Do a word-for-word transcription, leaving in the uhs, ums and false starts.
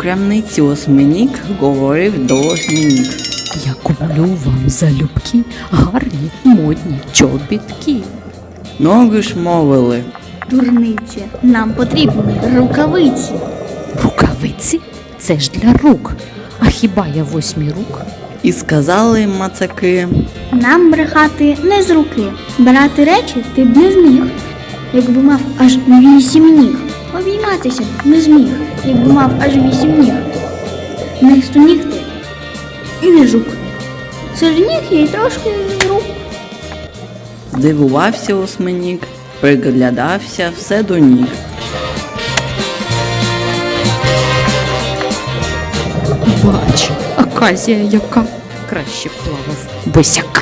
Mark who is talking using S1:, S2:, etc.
S1: крамниці осьминік говорив до осьминік.
S2: Я куплю вам залюбки гарні модні чобітки.
S1: Ноги ж мовили.
S3: Дурниці, нам потрібні рукавиці.
S2: Рукавиці? Це ж для рук. А хіба я восьмі рук?
S1: І сказали мацаки.
S3: Нам брехати не з руки. Брати речі ти б не зміг, якби мав аж вісім ніг. Обійматися б не зміг, якби мав аж вісім ніг. Не стоніг ти і не жук. Серед ніг є й трошки рук.
S1: Здивувався осьминік, приглядався все до ніг.
S2: Бач, аказія яка. Краще б плавав босяка.